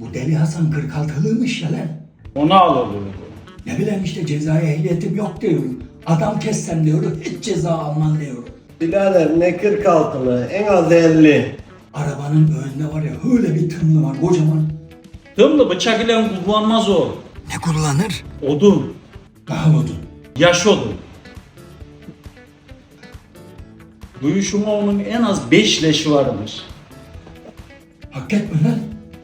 Bu deli Hasan 46'lıymış ya lan. Onu alırdı. Ne bileyim işte cezaya ehliyetim yok diyorum. Adam kessem diyorum, hiç ceza almam diyorum. Birader ne 46'lı, en az 50. Arabanın önünde var ya öyle bir tımlı var kocaman. Tımlı bıçak ile kullanmaz o. Ne kullanır? Odun. Daha odun. Yaş odun. Duyuşuma onun en az 5 leşi vardır. Hak etme lan.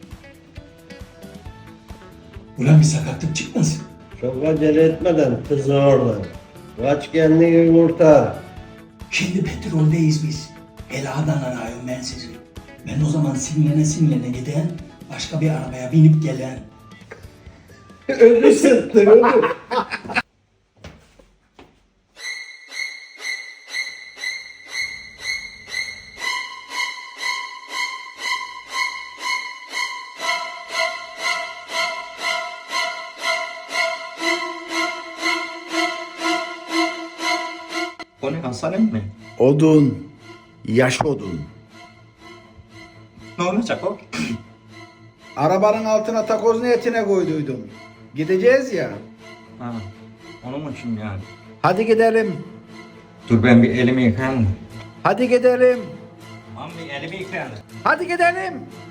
Ulan bir sakatlık çıkmasın. Çok acele etmeden kızı oradan. Kaç kendini kurtar. Şimdi petroldeyiz biz. Ela'dan arıyorum ben sizi. Ben o zaman sinirlene giden, başka bir arabaya binip gelen. Ölü sıktı ölü. O ne Hasan mi? Odun. Yaş odun. Ne olacak o? Arabanın altına takoz niyetine koyduydum. Gideceğiz ya. Ha, onun için yani. Hadi gidelim. Dur ben bir elimi yıkayayım. Hadi gidelim. Tamam bir elimi yıkayayım. Hadi gidelim.